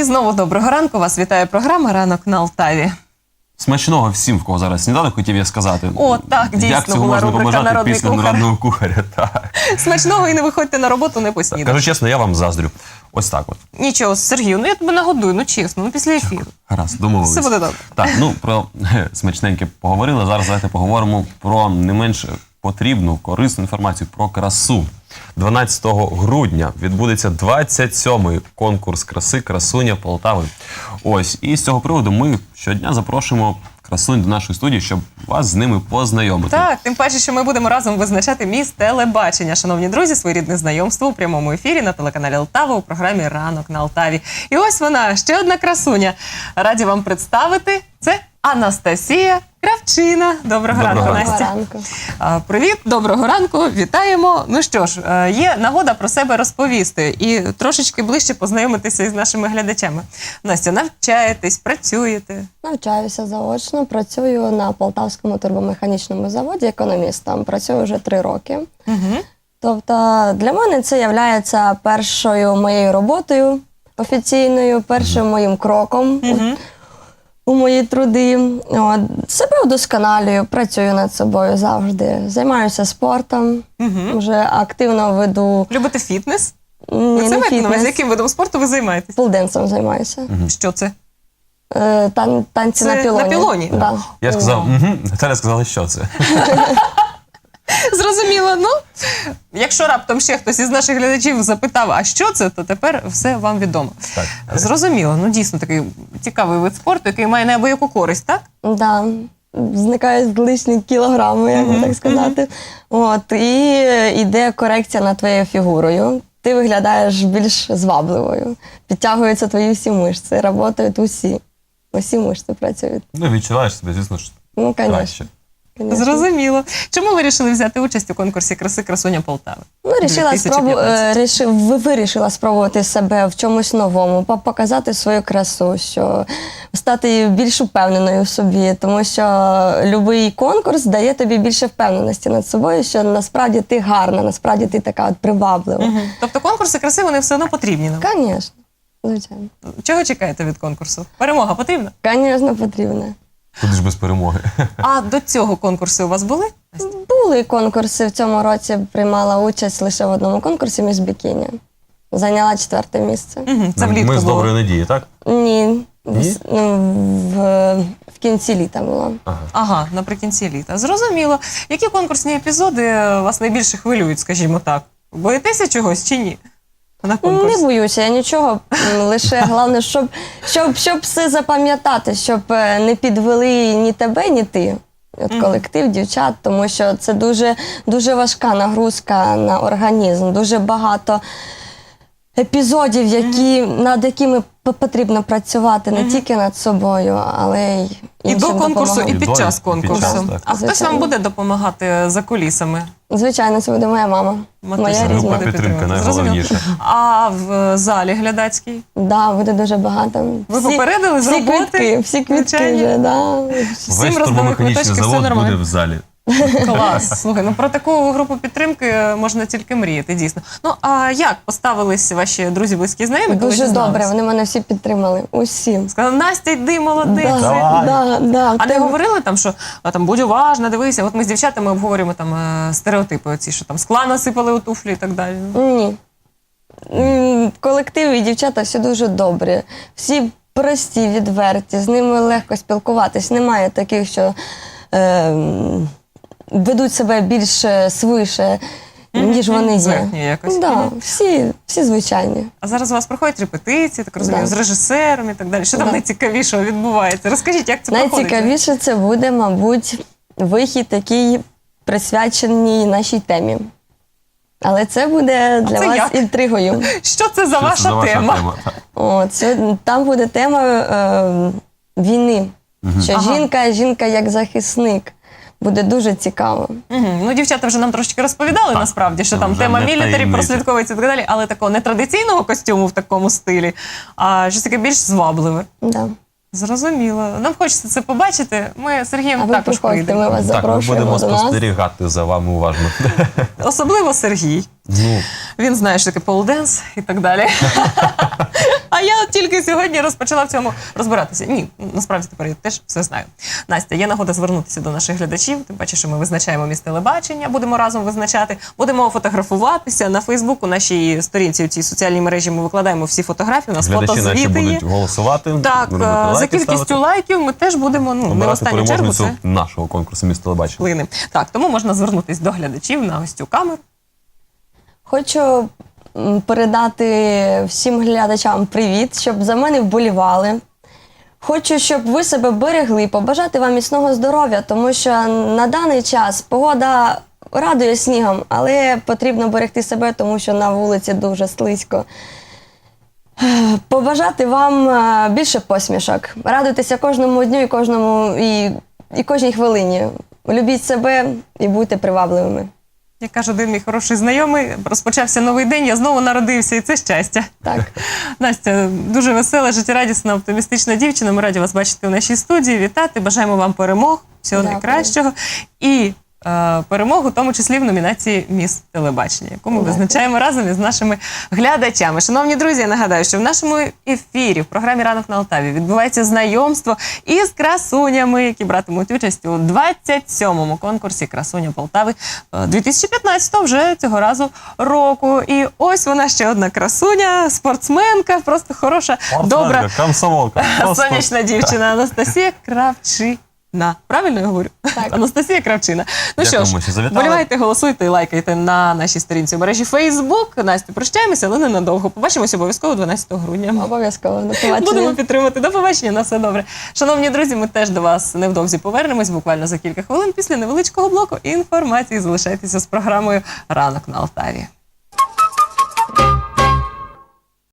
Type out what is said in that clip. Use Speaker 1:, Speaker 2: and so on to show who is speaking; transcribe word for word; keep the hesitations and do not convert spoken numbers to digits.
Speaker 1: І знову доброго ранку. Вас вітає програма «Ранок на Алтаві».
Speaker 2: Смачного всім, в кого зараз сніданок, хотів я сказати.
Speaker 1: О, так, дійсно,
Speaker 2: як цього
Speaker 1: була
Speaker 2: можна
Speaker 1: рубрика
Speaker 2: побажати
Speaker 1: «Народний
Speaker 2: після
Speaker 1: кухар».
Speaker 2: народного кухаря? Так.
Speaker 1: Смачного і не виходьте на роботу, не поснідати.
Speaker 2: Кажу чесно, я вам заздрю. Ось так от.
Speaker 1: Нічого, Сергію, ну я тебе нагодую, ну чесно, ну після ефіру.
Speaker 2: Гаразд, домовились.
Speaker 1: Все буде добре.
Speaker 2: Так, ну про смачненьке поговорили. Зараз давайте поговоримо про не менш потрібну, корисну інформацію про красу. дванадцятого грудня відбудеться двадцять сьомий конкурс краси «Красуня Полтави». Ось, і з цього приводу ми щодня запрошуємо красунь до нашої студії, щоб вас з ними познайомити.
Speaker 1: Так, тим паче, що ми будемо разом визначати міс телебачення. Шановні друзі, своєрідне знайомство у прямому ефірі на телеканалі Алтава у програмі «Ранок на Алтаві». І ось вона, ще одна красуня. Раді вам представити. Це Анастасія Кравчина. Доброго,
Speaker 2: Доброго
Speaker 1: ранку,
Speaker 2: ранку.
Speaker 1: Настя.
Speaker 3: Ранку.
Speaker 1: А, Привіт, доброго ранку, вітаємо. Ну що ж, е, є нагода про себе розповісти і трошечки ближче познайомитися із нашими глядачами. Настя, навчаєтесь, працюєте?
Speaker 3: Навчаюся заочно, працюю на Полтавському турбомеханічному заводі економістом. Працюю вже три роки.
Speaker 1: Угу.
Speaker 3: Тобто для мене це є першою моєю роботою офіційною, першим моїм кроком у,
Speaker 1: Угу.
Speaker 3: у мої труди. От, себе вдосконалюю, працюю над собою завжди. Займаюся спортом,
Speaker 1: Угу.
Speaker 3: вже активно веду.
Speaker 1: Любите фітнес?
Speaker 3: Ні,
Speaker 1: Ви це
Speaker 3: не
Speaker 1: маєте на увазі,
Speaker 3: фітнес,
Speaker 1: яким видом спорту ви займаєтесь?
Speaker 3: полденсом займаюся.
Speaker 1: Що це?
Speaker 3: Е, Тан, танці
Speaker 1: Це
Speaker 3: на пілоні.
Speaker 1: на пілоні?
Speaker 3: Да.
Speaker 2: Я сказав, угу, Наталя сказала, що це.
Speaker 1: Зрозуміло. Ну, якщо раптом ще хтось із наших глядачів запитав, а що це, то тепер все вам відомо.
Speaker 2: Так.
Speaker 1: Зрозуміло. Ну, дійсно, такий цікавий вид спорту, який має неабияку користь, так?
Speaker 3: Да, зникають лишні кілограми, як би так сказати. От, і йде корекція над твоєю фігурою. Ти виглядаєш більш звабливою. Підтягуються твої всі мишці, працюють усі. Усі мишці працюють.
Speaker 2: Ну, відчуваєш себе, звісно ж,
Speaker 3: Ну,
Speaker 2: краще.
Speaker 3: звісно. Конечно.
Speaker 1: Зрозуміло. Чому ви вирішили взяти участь у конкурсі краси «Красуня Полтави»?
Speaker 3: Ну, рішила
Speaker 1: дві тисячі
Speaker 3: спробу...
Speaker 1: п'ятнадцять.
Speaker 3: е, рішив... ви- вирішила спробувати себе в чомусь новому, по- показати свою красу, що стати більш упевненою в собі, тому що будь-який конкурс дає тобі більше впевненості над собою, що насправді ти гарна, насправді ти така от приваблива.
Speaker 1: Мгм. Тобто конкурси краси, вони все одно потрібні нам?
Speaker 3: Звісно, звичайно.
Speaker 1: Чого чекаєте від конкурсу? Перемога потрібна?
Speaker 3: Звісно, потрібно.
Speaker 2: Куди ж без перемоги.
Speaker 1: А до цього конкурси у вас були?
Speaker 3: Були конкурси в цьому році, приймала участь лише в одному конкурсі «Міс Бікіні». Зайняла четверте місце.
Speaker 1: Угу, це влітку
Speaker 2: Ми з
Speaker 1: було.
Speaker 2: доброї надії, так?
Speaker 3: Ні, в,
Speaker 2: Ні?
Speaker 3: с- ну, в, в кінці літа було.
Speaker 2: Ага.
Speaker 1: Ага, наприкінці літа. Зрозуміло. Які конкурсні епізоди вас найбільше хвилюють, скажімо так? Боїтеся чогось чи ні? На конкурсі?
Speaker 3: Не боюся я нічого, м, лише головне, щоб, щоб, щоб все запам'ятати, щоб е, не підвели ні тебе, ні ти. От
Speaker 1: Мгм.
Speaker 3: колектив дівчат, тому що це дуже, дуже важка нагрузка на організм, дуже багато епізодів, які, над якими п- потрібно працювати не тільки над собою, але й
Speaker 1: І
Speaker 3: іншим
Speaker 1: до конкурсу, і
Speaker 3: допомагати.
Speaker 1: під
Speaker 2: І до,
Speaker 1: час
Speaker 2: і під
Speaker 1: конкурсу.
Speaker 2: час, так.
Speaker 1: А хтось вам
Speaker 3: Звичайно.
Speaker 1: буде допомагати за кулісами?
Speaker 3: Звичайно, це буде моя мама.
Speaker 1: Матуся
Speaker 3: Моя
Speaker 1: буде
Speaker 3: рідна.
Speaker 2: Група підтримки
Speaker 1: підтримувати.
Speaker 2: найголовніше.
Speaker 1: Зрозуміло. А в залі глядацький?
Speaker 3: Да, буде дуже багато.
Speaker 1: Ви попередили з
Speaker 3: всі
Speaker 1: роботи?
Speaker 3: Квитки, всі квитки
Speaker 1: Звичайно.
Speaker 3: вже, да.
Speaker 1: Всім
Speaker 2: Весь
Speaker 1: роздали
Speaker 2: турбомеханічний
Speaker 1: квиточки, все
Speaker 2: завод буде
Speaker 1: нормально.
Speaker 2: в залі.
Speaker 1: Клас. Слухай, ну про таку групу підтримки можна тільки мріяти, дійсно. Ну, а як поставились ваші друзі, близькі, знайомі, коли
Speaker 3: Дуже
Speaker 1: дізналися?
Speaker 3: добре, вони мене всі підтримали. Усі.
Speaker 1: Сказали, Настя, йди, молодець.
Speaker 3: Да,
Speaker 2: Давай.
Speaker 3: да, да.
Speaker 1: А не
Speaker 3: Ти-
Speaker 1: говорили там, що а, там, будь уважна, дивися, от ми з дівчатами обговорюємо там е, стереотипи оці, що там скла насипали у туфлі і так далі.
Speaker 3: Ні. М, Колектив і дівчата всі дуже добрі. Всі прості, відверті, з ними легко спілкуватись. Немає таких, що е, м, ведуть себе більш е, свише, ніж вони є.
Speaker 1: Зверхні якось.
Speaker 3: Да,
Speaker 1: Мгм.
Speaker 3: всі, всі звичайні.
Speaker 1: А зараз у вас проходять репетиції, так розумію,
Speaker 3: Да.
Speaker 1: з режисером і так далі. Що там
Speaker 3: Да.
Speaker 1: найцікавішого відбувається? Розкажіть, як це проходить?
Speaker 3: Найцікавіше це буде, мабуть, вихід, який присвячений нашій темі. Але це буде для
Speaker 1: це
Speaker 3: вас
Speaker 1: як?
Speaker 3: інтригою.
Speaker 1: Що це за
Speaker 2: Що
Speaker 1: ваша
Speaker 2: це за ваша
Speaker 1: тема?
Speaker 2: тема?
Speaker 3: О, це, там буде тема е, війни. Що
Speaker 1: Ага.
Speaker 3: жінка, жінка як захисник. Буде дуже цікаво.
Speaker 1: Мгм. Ну, дівчата вже нам трошечки розповідали,
Speaker 2: Так,
Speaker 1: насправді, що
Speaker 2: це
Speaker 1: там
Speaker 2: вже
Speaker 1: тема
Speaker 2: не
Speaker 1: мілітарі
Speaker 2: таємниця.
Speaker 1: прослідковується і так далі, але такого нетрадиційного костюму в такому стилі, а щось таке більш звабливе.
Speaker 3: Да.
Speaker 1: Зрозуміло. Нам хочеться це побачити. Ми з Сергієм
Speaker 3: А ви
Speaker 1: також
Speaker 3: приходьте, ми
Speaker 1: прийдемо.
Speaker 3: вас
Speaker 2: Так, ми
Speaker 3: запрошуємо
Speaker 2: будемо
Speaker 3: до нас.
Speaker 2: спостерігати за вами уважно.
Speaker 1: Особливо Сергій.
Speaker 2: Ну,
Speaker 1: Він знає, що таке полденс і так далі. А я от тільки сьогодні розпочала в цьому розбиратися. Ні, насправді тепер я теж все знаю. Настя, є нагода звернутися до наших глядачів. Тим паче, що ми визначаємо місце телебачення, будемо разом визначати, будемо фотографуватися на Фейсбуку, нашій сторінці у цій соціальній мережі. Ми викладаємо всі фотографії, у нас
Speaker 2: глядачі наші
Speaker 1: фотозвіти є.
Speaker 2: будуть голосувати.
Speaker 1: Так,
Speaker 2: робити
Speaker 1: е, за
Speaker 2: лайки,
Speaker 1: кількістю
Speaker 2: ставити,
Speaker 1: лайків ми теж будемо, ну, не в
Speaker 2: обирати
Speaker 1: останню чергу, це
Speaker 2: переможницю нашого конкурсу «Міст телебачення».
Speaker 1: вплине. Так, тому можна звернутися до глядачів на ось цю камеру.
Speaker 3: Хочу м, передати всім глядачам привіт, щоб за мене вболівали. Хочу, щоб ви себе берегли, побажати вам міцного здоров'я, тому що на даний час погода радує снігом, але потрібно берегти себе, тому що на вулиці дуже слизько. Побажати вам е, більше посмішок, радуйтеся кожному дню і кожному і, і кожній хвилині. Любіть себе і будьте привабливими.
Speaker 1: Як каже один мій хороший знайомий, розпочався новий день, я знову народився, і це щастя.
Speaker 3: Так.
Speaker 1: Настя, дуже весела, життєрадісна, оптимістична дівчина. Ми раді вас бачити в нашій студії. Вітати, бажаємо вам перемог, всього
Speaker 3: Дякую.
Speaker 1: найкращого. І е, перемогу, в тому числі в номінації «Міс телебачення», яку ми
Speaker 3: Дякую.
Speaker 1: визначаємо разом із нашими глядачами. Шановні друзі, я нагадаю, що в нашому ефірі, в програмі «Ранок на Алтаві» відбувається знайомство із красунями, які братимуть участь у двадцять сьомому конкурсі «Красуня Полтави» дві тисячі п'ятнадцятого вже цього разу року. І ось вона ще одна красуня, спортсменка, просто хороша, добра,
Speaker 2: Спортсменка, комсомолка. Просто
Speaker 1: сонячна дівчина Анастасія Кравчина. Правильно я говорю?
Speaker 3: Так.
Speaker 1: Анастасія Кравчина. Ну що
Speaker 2: Дякуємо,
Speaker 1: ж,
Speaker 2: що завітали.
Speaker 1: вболівайте, голосуйте і лайкайте на нашій сторінці в мережі Facebook. Настю, прощаємося, але ненадовго. Побачимося обов'язково дванадцятого грудня.
Speaker 3: Обов'язково. До побачення.
Speaker 1: Будемо підтримувати. До побачення, на все добре. Шановні друзі, ми теж до вас невдовзі повернемось, буквально за кілька хвилин після невеличкого блоку інформації. Залишайтеся з програмою «Ранок на Алтаві».